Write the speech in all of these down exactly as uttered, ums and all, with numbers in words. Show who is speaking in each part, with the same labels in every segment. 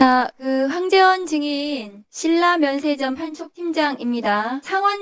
Speaker 1: 자, 그 황재원 증인 신라면세점 판촉팀장입니다.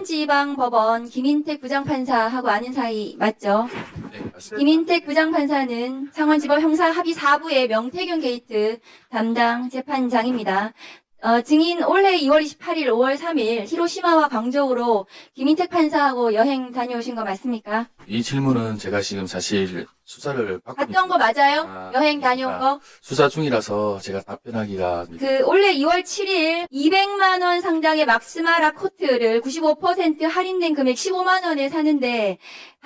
Speaker 1: 창원지방법원 김인택 부장판사하고 아는 사이 맞죠?
Speaker 2: 네, 맞습니다.
Speaker 1: 김인택 부장판사는 창원지법 형사합의 사 부의 명태균 게이트 담당 재판장입니다. 어, 증인 올해 이월 이십팔일, 오월 삼일 히로시마와 광저우로 김인택 판사하고 여행 다녀오신 거 맞습니까?
Speaker 2: 이 질문은 제가 지금 사실 수사를 받고
Speaker 1: 갔던 거 맞아요?
Speaker 2: 아,
Speaker 1: 여행 다녀온
Speaker 2: 아.
Speaker 1: 거?
Speaker 2: 수사 중이라서 제가 답변하기가
Speaker 1: 그 올해 이월 칠일 이백만 원 상당의 막스마라 코트를 구십오 퍼센트 할인된 금액 십오만 원에 사는데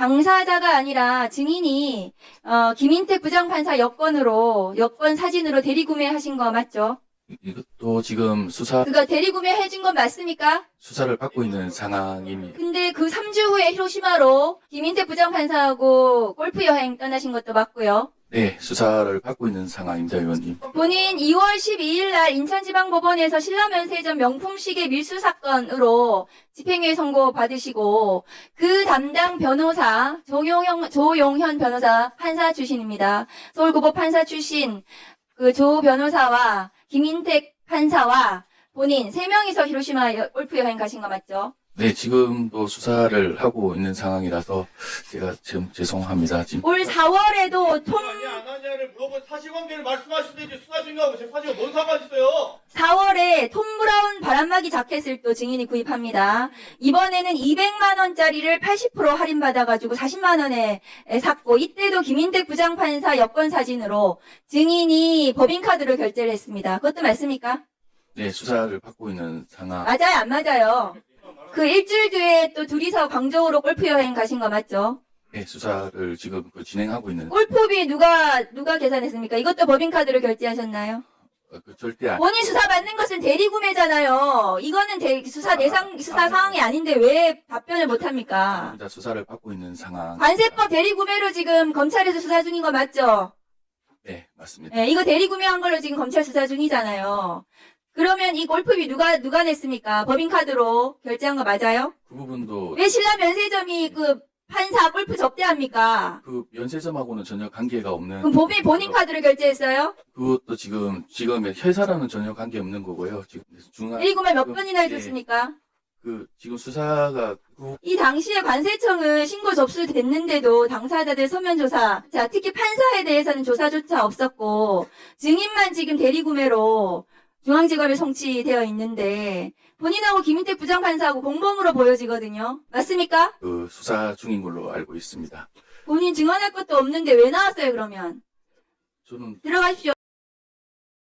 Speaker 1: 당사자가 아니라 증인이 어, 김인택 부장판사 여권으로 여권 사진으로 대리구매하신 거 맞죠?
Speaker 2: 이것도 지금 수사
Speaker 1: 그거 대리구매 해준 건 맞습니까?
Speaker 2: 수사를 받고 있는 상황입니다.
Speaker 1: 근데 그 삼 주 후에 히로시마로 김인택 부장판사하고 골프 여행 떠나신 것도 맞고요.
Speaker 2: 네, 수사를 받고 있는 상황입니다, 의원님.
Speaker 1: 본인 이월 십이일 날 인천지방법원에서 신라면세점 명품시계 밀수 사건으로 집행유예 선고 받으시고 그 담당 변호사 조용현, 조용현 변호사 판사 출신입니다. 서울고법 판사 출신 그 조 변호사와 김인택 판사와 본인 세 명이서 히로시마 여- 골프 여행 가신 거 맞죠?
Speaker 2: 네, 지금도 수사를 하고 있는 상황이라서 제가 좀 죄송합니다. 지금
Speaker 1: 올 사월에도 통
Speaker 3: 아니 안 하냐를 물어본 사실관계를 말씀하시든지 수사 중이하고 제 사실과 뭔 상관 있어요?
Speaker 1: 사월에 톰 브라운 바람막이 자켓을 또 증인이 구입합니다. 이번에는 이백만 원짜리를 팔십 퍼센트 할인받아가지고 사십만 원에 샀고 이때도 김인택 부장판사 여권 사진으로 증인이 법인카드로 결제를 했습니다. 그것도 맞습니까?
Speaker 2: 네, 수사를 받고 있는 상황.
Speaker 1: 맞아요, 안 맞아요? 그 일주일 뒤에 또 둘이서 광저우로 골프 여행 가신 거 맞죠?
Speaker 2: 네, 수사를 지금 그 진행하고 있는
Speaker 1: 골프비 누가 누가 계산했습니까? 이것도 법인카드로 결제하셨나요?
Speaker 2: 어, 그 절대 안.
Speaker 1: 본인 수사 받는 것은 대리구매잖아요. 이거는 대, 수사 대상 수사 상황이 아닌데 왜 답변을 못 합니까?
Speaker 2: 아닙니다. 수사를 받고 있는 상황.
Speaker 1: 관세법 대리구매로 지금 검찰에서 수사 중인 거 맞죠?
Speaker 2: 네, 맞습니다.
Speaker 1: 네, 이거 대리구매한 걸로 지금 검찰 수사 중이잖아요. 그러면 이 골프비 누가 누가 냈습니까? 법인카드로 결제한 거 맞아요?
Speaker 2: 그 부분도
Speaker 1: 왜 신라면세점이 그 판사 골프 접대합니까?
Speaker 2: 그 면세점하고는 전혀 관계가 없는.
Speaker 1: 그럼 법인 본인 카드로 결제했어요?
Speaker 2: 그것도 지금 지금 회사랑은 전혀 관계 없는 거고요. 지금 중앙
Speaker 1: 대리구매 몇
Speaker 2: 그,
Speaker 1: 번이나
Speaker 2: 예,
Speaker 1: 해줬습니까?
Speaker 2: 그 지금 수사가 그
Speaker 1: 이 당시에 관세청은 신고 접수됐는데도 당사자들 서면 조사, 자 특히 판사에 대해서는 조사조차 없었고 증인만 지금 대리구매로 중앙지검에 송치되어 있는데 본인하고 김인택 부장판사하고 공범으로 보여지거든요. 맞습니까?
Speaker 2: 그 수사 중인 걸로 알고 있습니다.
Speaker 1: 본인 증언할 것도 없는데 왜 나왔어요 그러면?
Speaker 2: 저는
Speaker 1: 들어가십시오.